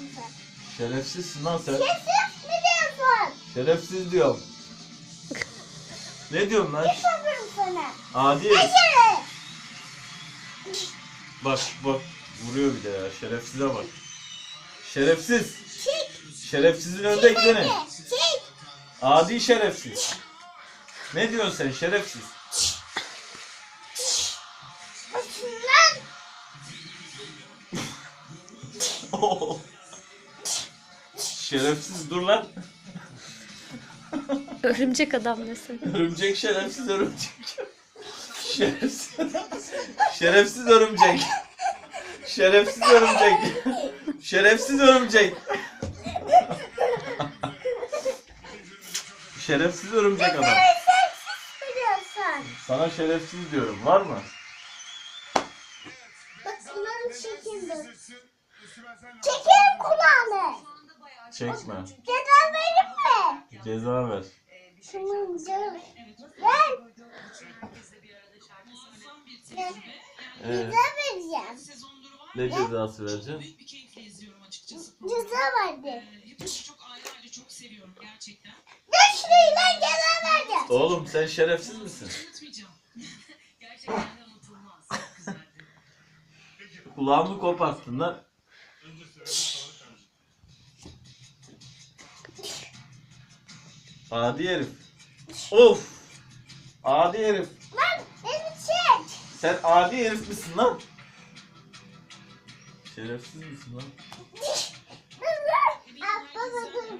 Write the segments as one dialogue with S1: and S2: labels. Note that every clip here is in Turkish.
S1: diyorsun sen?
S2: Şerefsizsin lan sen.
S1: Şerefsiz mi diyorsun?
S2: Şerefsiz diyorum. Ne diyorsun lan?
S1: Ne soruyorum sana?
S2: Adi
S1: Ne
S2: herif.
S1: şeref?
S2: Bak bak. Vuruyor bir de ya. Şerefsize bak. Şerefsiz.
S1: Çık.
S2: Şerefsizin önünde eklene.
S1: Çık.
S2: Adi şerefsiz. Ne diyorsun sen şerefsiz?
S1: Başından.
S2: Şerefsiz dur lan.
S3: Örümcek adam desin.
S2: Örümcek şerefsiz örümcek. Şerefsiz. Şerefsiz örümcek. Şerefsiz örümcek. Şerefsiz örümcek. Şerefsiz örümcek adam.
S1: Şerefsiz mi diyorsun?
S2: Sana şerefsiz diyorum. Var mı?
S1: Bak kulağını çekin. Çekerim kulağını.
S2: Çekme.
S1: Ceza verir mi?
S2: Ceza ver.
S1: Tamam canım. Ver. Ceza vereceğim.
S2: Ne cezası vereceksin?
S1: Ceza verdi. Dur şurayla ceza vereceğim.
S2: Oğlum sen şerefsiz misin? Kulağımı koparttın lan. Adi herif. Of. Adi herif.
S1: Lan beni çek.
S2: Sen adi herif misin lan? Şerefsiz misin lan?
S1: Dur dur. Baba dur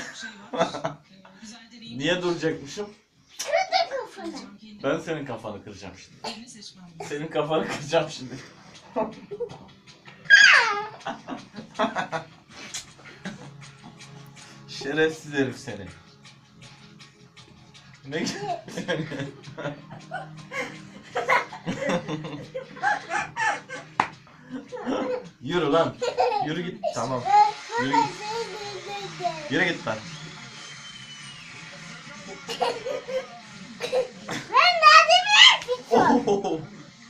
S1: bir.
S2: Niye duracakmışım?
S1: Kırdı kafanı.
S2: Ben senin kafanı kıracağım şimdi. Senin kafanı kıracağım şimdi. Şerefsiz herif seni. Ne? Yürü lan. Yürü git. Tamam. Yürü git. Yürü git lan.
S1: Ben daha demin yaptım.
S2: Oh!